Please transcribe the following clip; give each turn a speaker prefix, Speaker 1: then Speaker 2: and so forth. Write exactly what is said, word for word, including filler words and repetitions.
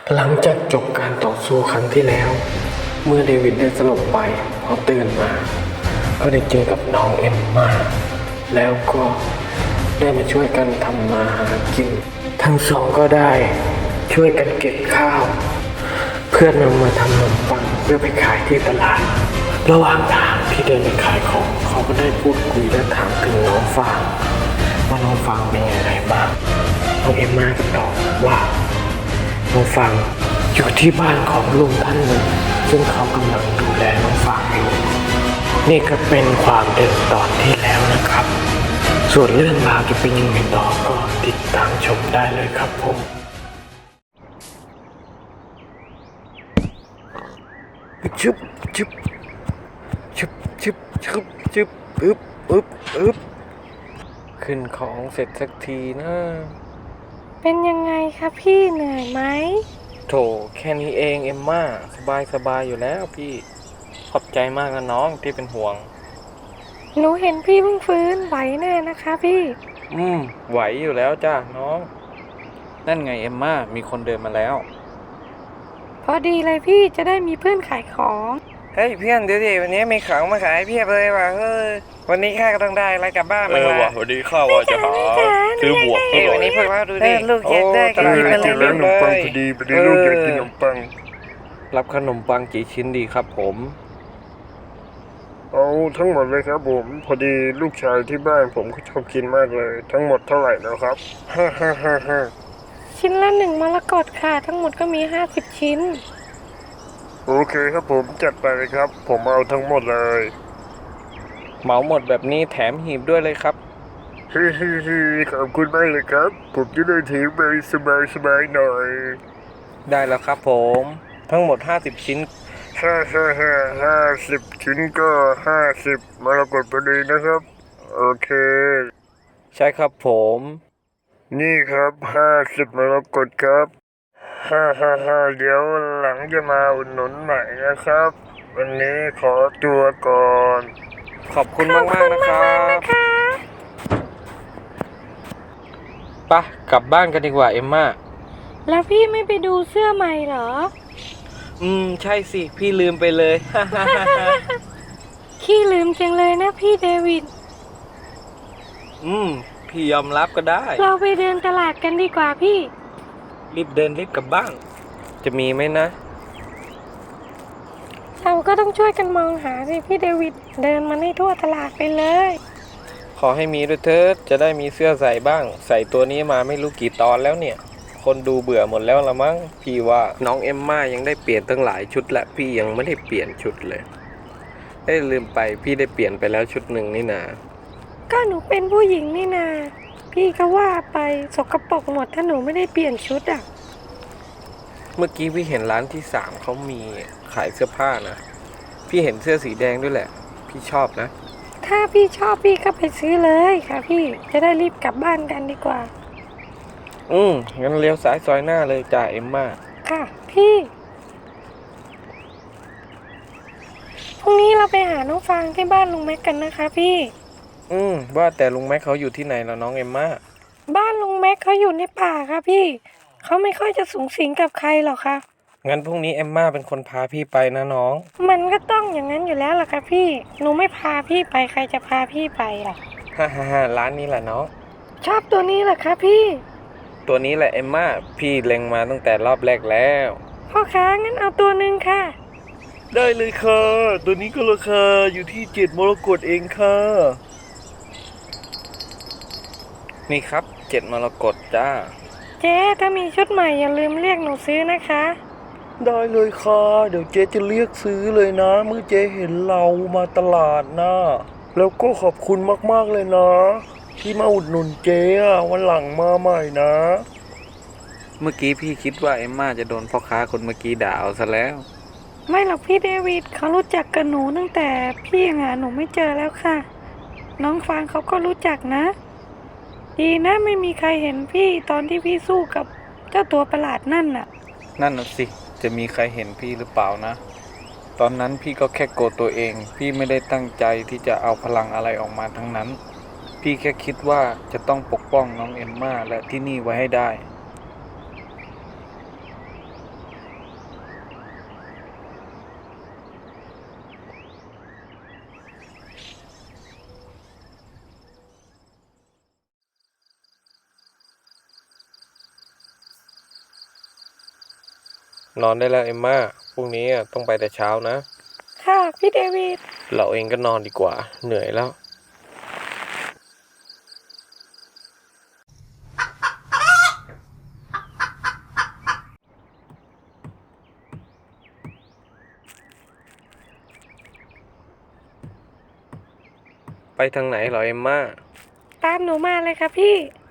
Speaker 1: หลังจากจบการต่อสู้ครั้งที่แล้วเมื่อเดวิดได้สลบไปพอตื่นมาก็ได้เจอกับน้องเอมมาแล้วก็ได้มาช่วยกันทำมาหากินทั้งสองก็ได้ช่วยกันเก็บข้าวเพื่อนำมาทำขนมปังเพื่อไปขายที่ตลาดระหว่างทางที่เดินไปขายของเขาก็ได้พูดคุยและถามถึงน้องฟางว่าน้องฟางเป็นยังไงบ้างน้องเอมมาก็ตอบว่าน้องฟางอยู่ที่บ้านของลุงท่านหนึ่งซึ่งเขากำลังดูแลน้องฟางอยู่นี่ก็เป็นความเดิมตอนที่แล้วนะครับส่วนเรื่องราวจะเป็นยังไงต่อก็ติดตามชมได้เลยครับผมชึบชึบชึบชึบชึบชึบอึบอึบอึบขึ้นของเสร็จสักทีนะ
Speaker 2: เป็นยังไงคะพี่เหนื่อยไหม
Speaker 1: โถแค่นี้เองเอมม่าสบายสบายอยู่แล้วพี่ขอบใจมากนะน้องที่เป็นห่วง
Speaker 2: หนูเห็นพี่เพิ่งฟื้นไหวแน่นะคะพี่
Speaker 1: อืมไหวอยู่แล้วจ้าน้องนั่นไงเอมม่ามีคนเดินมาแล้ว
Speaker 2: พอดีเลยพี่จะได้มีเพื่อนขายของ
Speaker 1: เฮ้ยเพื่อนเดี๋ยวดิวันนี้มีของมาขายเพียบเลยว่ะเฮ้ยวันนี้ข้าก็ต้องได้อะไรกลับบ้านมาละ
Speaker 3: ว่ะวันนี้ข้าว่าจะหาซื้อบวก
Speaker 1: เฮ้ยวันนี้พวกเราดูดิลูกอยากได้
Speaker 3: กันกินมาเลยเลยพอดีพอดีลูกอยากกินขนมปัง
Speaker 1: รับขนมปังกี่ชิ้นดีครับผม
Speaker 3: เอาทั้งหมดเลยครับผมพอดีลูกชายที่บ้านผมเขาชอบกินมากเลยทั้งหมดเท่าไหร่แล้วครับฮ่าฮ่าฮ่าฮ่า
Speaker 2: ชิ้นละหนึ่งมรกตค่ะทั้งหมดก็มีห้าสิบชิ้น
Speaker 3: โอเคครับผมจัดไปเลยครับผมเอาทั้งหมดเลย
Speaker 1: เหมาหมดแบบนี้แถมหีบด้วยเลยครับ
Speaker 3: เฮ้ฮิฮิขอบคุณมากเลยครับผมจะได้ถือไปสบายสบายหน่อย
Speaker 1: ได้แล้วครับผมทั้งหมดห้าสิบชิ้น
Speaker 3: ห้าห้าห้าห้าสิบชิ้นก็ห้าสิบมรกตพอดีนะครับโอเค
Speaker 1: ใช่ครับผม
Speaker 3: นี่ครับห้าสิบมรกตครับฮ่าฮ่าฮ่าเดี๋ยวหลังจะมาอุดหนุนใหม่นะครับวันนี้ขอตัวก่อน
Speaker 1: ขอบคุณมากมากนะครับปะกลับบ้านกันดีกว่าเอมม่า
Speaker 2: แล้วพี่ไม่ไปดูเสื้อใหม่เหรอ
Speaker 1: อืมใช่สิพี่ลืมไปเลย
Speaker 2: ขี้ลืมจังเลยนะพี่เดวิด
Speaker 1: อืมพี่ยอมรับก็ได้
Speaker 2: เราไปเดินตลาดกันดีกว่าพี่
Speaker 1: รีบเดินรีบกลับบ้านจะมีไหมนะ
Speaker 2: เราก็ต้องช่วยกันมองหาสิพี่เดวิดเดินมาให้ทั่วตลาดไปเลย
Speaker 1: ขอให้มีด้วยเถิดจะได้มีเสื้อใส่บ้างใส่ตัวนี้มาไม่รู้กี่ตอนแล้วเนี่ยคนดูเบื่อหมดแล้วละมั้งพี่ว่าน้องเอมม่ายังได้เปลี่ยนตั้งหลายชุดและพี่ยังไม่ได้เปลี่ยนชุดเลยเอ้ยลืมไปพี่ได้เปลี่ยนไปแล้วชุดหนึ่งนี่นา
Speaker 2: ก็หนูเป็นผู้หญิงนี่นาพี่ก็ว่าไปสกปรกหมดถ้าหนูไม่ได้เปลี่ยนชุดอ่ะ
Speaker 1: เมื่อกี้พี่เห็นร้านที่สามเขามีขายเสื้อผ้านะพี่เห็นเสื้อสีแดงด้วยแหละพี่ชอบนะ
Speaker 2: ถ้าพี่ชอบพี่ก็ไปซื้อเลยค่ะพี่จะได้รีบกลับบ้านกันดีกว่า
Speaker 1: อืมงั้นเลี้ยวซ้ายซอยหน้าเลยจ่าเอ็มม่า
Speaker 2: ค่ะพี่พรุ่งนี้เราไปหาน้องฟางที่บ้านลุงแม็กกันนะคะพี่
Speaker 1: อืมว่าแต่ลุงแม็กเขาอยู่ที่ไหนแล้วน้องเอ็มม่า
Speaker 2: บ้านลุงแม็กเขาอยู่ในป่าค่ะพี่เขาไม่ค่อยจะสูงสิงกับใครหรอกค่ะ
Speaker 1: งั้นพรุ่งนี้เอ็มม่าเป็นคนพาพี่ไปนะน้อง
Speaker 2: มันก็ต้องอย่างนั้นอยู่แล้วล่ะค่ะพี่หนูไม่พาพี่ไปใครจะพาพี่ไปล่ะ
Speaker 1: ฮ่าฮ่าฮ่าร้านนี้แหละน้อง
Speaker 2: ชอบตัวนี้เหรอคะพี่
Speaker 1: ตัวนี้แหละเอ็มม่าพี่เล็งมาตั้งแต่รอบแรกแล้ว
Speaker 2: พ่อค้างั้นเอาตัวหนึ่งค่ะ
Speaker 3: ได้เลยค่ะตัวนี้ก็ราคาอยู่ที่เจ็ดมรกตเองค่ะ
Speaker 1: นี่ครับเจ็ดมรกตจ้า
Speaker 2: เจ๊ถ้ามีชุดใหม่อย่าลืมเรียกหนูซื้อนะคะ
Speaker 3: ได้เลยค่ะเดี๋ยวเจ๊จะเรียกซื้อเลยนะเมื่อเจ๊เห็นเรามาตลาดนะแล้วก็ขอบคุณมากๆเลยนะที่มาอุดหนุนเจ๊อะวันหลังมาใหม่นะ
Speaker 1: เมื่อกี้พี่คิดว่าเอ็มม่าจะโดนพ่อค้าคนเมื่อกี้ด่าเอาซะแล้ว
Speaker 2: ไม่หรอกพี่เดวิดเขารู้จักกับหนูตั้งแต่พี่ยังหาหนูไม่เจอแล้วค่ะน้องฟางเขาก็รู้จักนะดีนะไม่มีใครเห็นพี่ตอนที่พี่สู้กับเจ้าตัวประหลาดนั่นน่ะ
Speaker 1: นั่นน่ะสิจะมีใครเห็นพี่หรือเปล่านะตอนนั้นพี่ก็แค่โกรธตัวเองพี่ไม่ได้ตั้งใจที่จะเอาพลังอะไรออกมาทั้งนั้นพี่แค่คิดว่าจะต้องปกป้องน้องเอมม่าและที่นี่ไว้ให้ได้นอนได้แล้วเอมม่าพรุ่งนี้อะต้องไปแต่เช้านะ
Speaker 2: ค่ะพี่เดวิด
Speaker 1: เราเองก็นอนดีกว่า เหนื่อยแล้ว ไปทางไหนเหรอเอมม่า
Speaker 2: ตามหนูมาเลยค่ะพี่